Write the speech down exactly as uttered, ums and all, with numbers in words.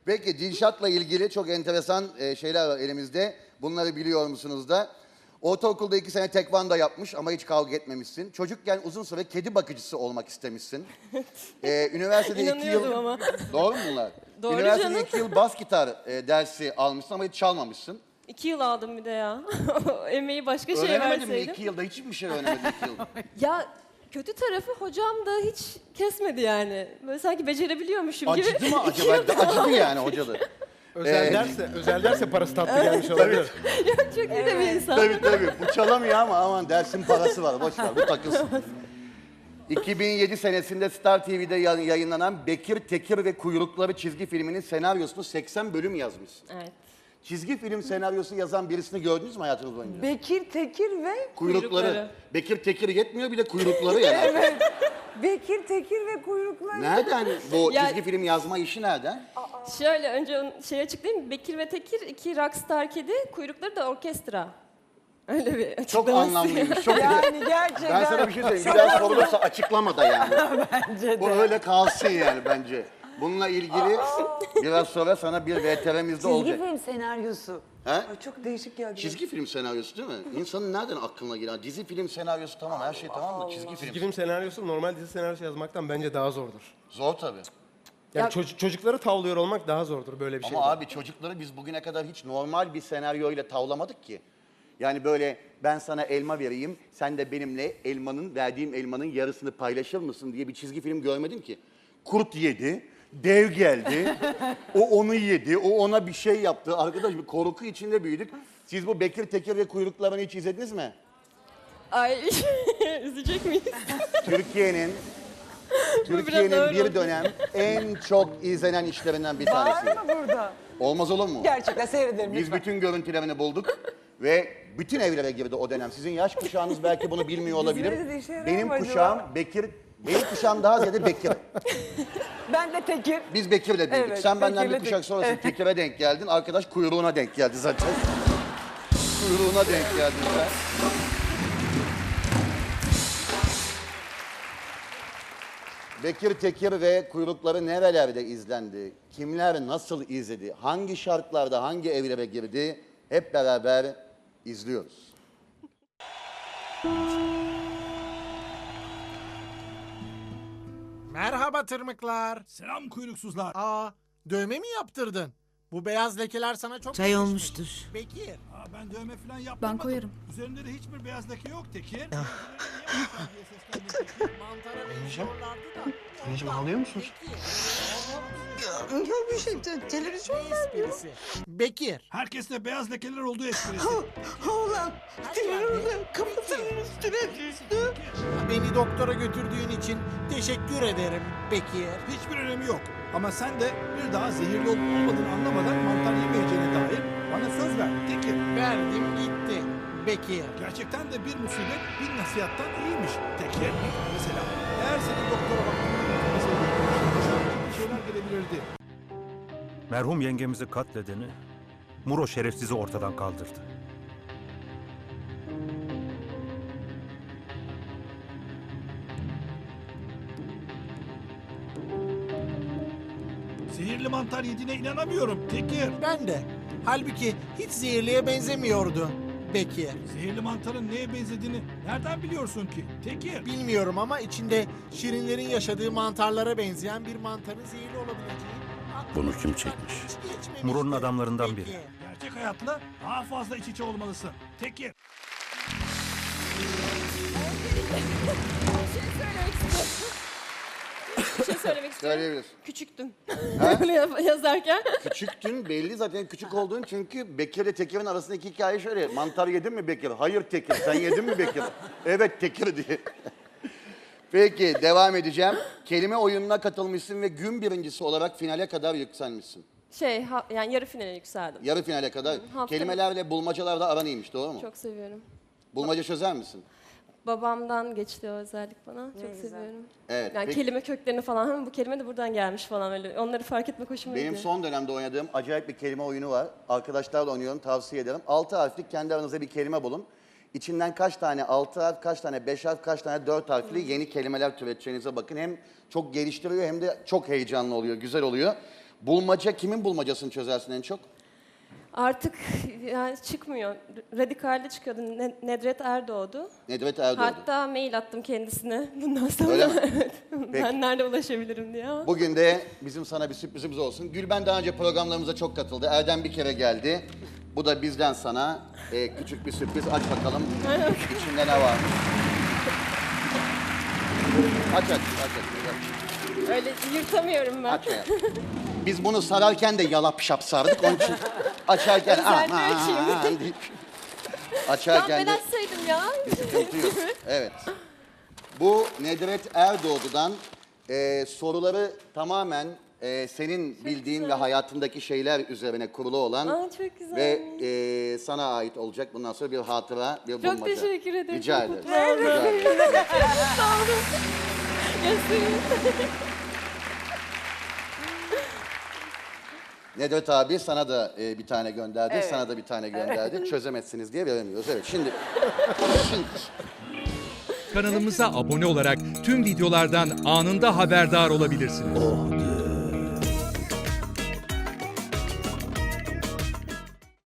Peki Dilşat'la ilgili çok enteresan e, şeyler var elimizde. Bunları biliyor musunuz da? Ortaokulda iki sene tekvando yapmış ama hiç kavga etmemişsin. Çocukken uzun süre kedi bakıcısı olmak istemişsin. Ee, üniversitede iki yıl... İnanıyordum ama. Doğru mu bunlar? Doğru Üniversitede canım. iki yıl bas gitar e, dersi almışsın ama hiç çalmamışsın. İki yıl aldım bir de ya. Emeği başka şeye Öğrenemedin mi verseydim. iki yılda? Hiçbir şey öğrenemedin iki yılda. Ya kötü tarafı hocam da hiç kesmedi yani. Böyle sanki becerebiliyormuşum gibi. Acıdı mı İki acaba? yıl Acıdı yani hocalı. Özel Ee, derse, özel derse parası tatlı gelmiş olabilir. Çok iyi de bir insan. Tabii tabii. Bu çalamıyor ama aman dersin parası var. Boş ver bu takılsın. iki bin yedi senesinde Star T V'de yay- yayınlanan Bekir, Tekir ve Kuyrukları çizgi filminin senaryosunu seksen bölüm yazmışsın. Evet. Çizgi film senaryosu yazan birisini gördünüz mü hayatınız boyunca? Bekir, Tekir ve Kuyrukları. Kuyrukları. Bekir Tekir yetmiyor bir de kuyrukları yani. evet. Bekir, Tekir ve kuyrukları. Nereden bu Ya- çizgi film yazma işi nereden? Şöyle önce onu şey açıklayayım. Bekir ve Tekir iki rockstar kedi, kuyrukları da orkestra. Öyle bir Çok açıklaması. anlamlıymış. Çok Yani gerçekten. Ben sana bir şey söyleyeyim. Bir daha sorulursa açıklama da yani. Bence de. Bu öyle kalsın yani bence. Bununla ilgili biraz sonra sana bir V T R'mizde Çizgi olacak. film senaryosu. He? Ay, çok değişik geldi. Çizgi film senaryosu değil mi? İnsanın nereden aklına gelen? Dizi film senaryosu tamam, her şey tamam da çizgi film. Çizgi film senaryosu normal dizi senaryosu yazmaktan bence daha zordur. Zor tabii. Yani Ya- çocuk- çocukları tavlıyor olmak daha zordur böyle bir şey. Ama abi çocukları biz bugüne kadar hiç normal bir senaryoyla tavlamadık ki. Yani böyle ben sana elma vereyim, sen de benimle elmanın, verdiğim elmanın yarısını paylaşır mısın diye bir çizgi film görmedim ki. Kurt yedi, dev geldi, o onu yedi, o ona bir şey yaptı. Arkadaş bir korku içinde büyüdük. Siz bu Bekir, Tekir ve Kuyruklarını hiç izlediniz mi? Ay üzecek miyiz? Türkiye'nin biraz Türkiye'nin ağır bir oldu. dönem en çok izlenen işlerinden bir tanesi. Var mı burada? Olmaz olur mu? Gerçekten seyrederim Biz lütfen. bütün görüntülerini bulduk ve bütün evlere girdi o dönem. Sizin yaş kuşağınız belki bunu bilmiyor olabilir. Bizlere de işe yarar Benim mı acaba? kuşağım Bekir, benim kuşağım daha ziyade Bekir. Ben de Tekir. Biz Bekir'le büyüdük. Evet, Sen benden bir Bekir'le kuşak Tek- sonrası Evet. Tekir'e denk geldin. Arkadaş kuyruğuna denk geldi zaten. Kuyruğuna denk geldin sen. Bekir, Tekir ve Kuyrukları nerelerde izlendi? Kimler nasıl izledi? Hangi şartlarda hangi evlere girdi? Hep beraber izliyoruz. Merhaba tırmıklar. Selam kuyruksuzlar. Aa, dövme mi yaptırdın? Bu beyaz lekeler sana çok Çay yakışmış. olmuştur. Bekir. Aa, ben dövme falan yapmadım. Ben koyarım. Üzerinde de hiçbir beyaz leke yok Tekir. Mantara benziyorlardı da. Anneciğim ağlıyor musunuz? Yok bir şey. Televizyon Ne esprisi? Bekir. Herkeste beyaz lekeler olduğu esprisi. Oğlan. geldin? Kafasının üstüne düştü. Beni doktora götürdüğün için teşekkür ederim Bekir. Hiçbir önemi yok. Ama sen de bir daha zehirli olup olmadığını anlamadan mantar yemeyeceğine dair bana söz ver Tekir. Verdim gitti. Bekir. Gerçekten de bir musibet bir nasihattan iyiymiş Tekir. Mesela eğer senin doktora baktığında bir şeyler gelebilirdi. Merhum yengemizi katledeni Muro şerefsizi ortadan kaldırdı. Zehirli mantar yediğine inanamıyorum Tekir. Ben de. Halbuki hiç zehirliye benzemiyordu Bekir. Zehirli mantarın neye benzediğini nereden biliyorsun ki Tekir? Bilmiyorum ama içinde şirinlerin yaşadığı mantarlara benzeyen bir mantarın zehirli olabileceği... Bunu kim çekmiş? hiç geçmemişti. Muro'nun adamlarından Bekir. biri. Gerçek hayatla daha fazla iç içe olmalısın Tekir. Bir şey söylemek istiyorum. Söyleyebilir. Küçüktüm. Böyle yaz- yazarken. Küçüktün belli zaten küçük olduğun çünkü Bekir ile Tekir'in arasındaki hikaye şöyle. Mantar yedin mi Bekir? Hayır Tekir. Sen yedin mi Bekir? Evet Tekir diye. Peki devam edeceğim. Kelime oyununa katılmışsın ve gün birincisi olarak finale kadar yükselmişsin. Şey ha- yani yarı finale yükseldim. Yarı finale kadar. hafta- Kelimelerle bulmacalarda aran iyiymiş doğru mu? Çok seviyorum. Bulmaca çözer misin? Babamdan geçti o özellik bana. Çok güzel. seviyorum. Evet. Yani peki. kelime köklerini falan. "Hı, bu kelime de buradan gelmiş falan öyle. Onları fark etmek hoşuma Benim gidiyor. son dönemde oynadığım acayip bir kelime oyunu var. Arkadaşlarla oynuyorum, tavsiye ederim. Altı harflik kendi aranızda bir kelime bulun. İçinden kaç tane altı harf, kaç tane beş harf, kaç tane dört harfli yeni kelimeler türeteceğinize bakın. Hem çok geliştiriyor hem de çok heyecanlı oluyor, güzel oluyor. Bulmaca, kimin bulmacasını çözersin en çok? Artık yani çıkmıyor. Radikalde çıkıyordu. Ne- Nedret Erdoğdu. Nedret Erdoğdu. Hatta mail attım kendisine. Bundan sonra Öyle mi? evet. Peki. Ben nerede ulaşabilirim diye ama. Bugün de bizim sana bir sürprizimiz olsun. Gülben daha önce programlarımıza çok katıldı. Erdem bir kere geldi. Bu da bizden sana e, küçük bir sürpriz. Aç bakalım içinde ne var. Aç aç aç. aç. Öyle yırtamıyorum ben. Aç hayatım. Biz bunu sararken de yalap şap sardık. Onun için açarken Özellikle aman açayım. deyip Tamam açarken ben de açsaydım ya. sıkıntı yok. Evet. Bu Nedret Erdoğdu'dan e, soruları tamamen e, senin bildiğin ve hayatındaki şeyler üzerine kurulu olan Aa, çok güzel. ve e, sana ait olacak bundan sonra bir hatıra, bir Çok bulmaca. teşekkür ederim. Rica Çok ederiz. mutlu oldum. Rica ederiz. Sağ olun. Göstereyim. Nedret abi sana da e, bir tane gönderdi, sana da bir tane gönderdi. Çözemezsiniz diye veremiyoruz. Evet, şimdi... şimdi Kanalımıza abone olarak tüm videolardan anında haberdar olabilirsiniz. Oh diye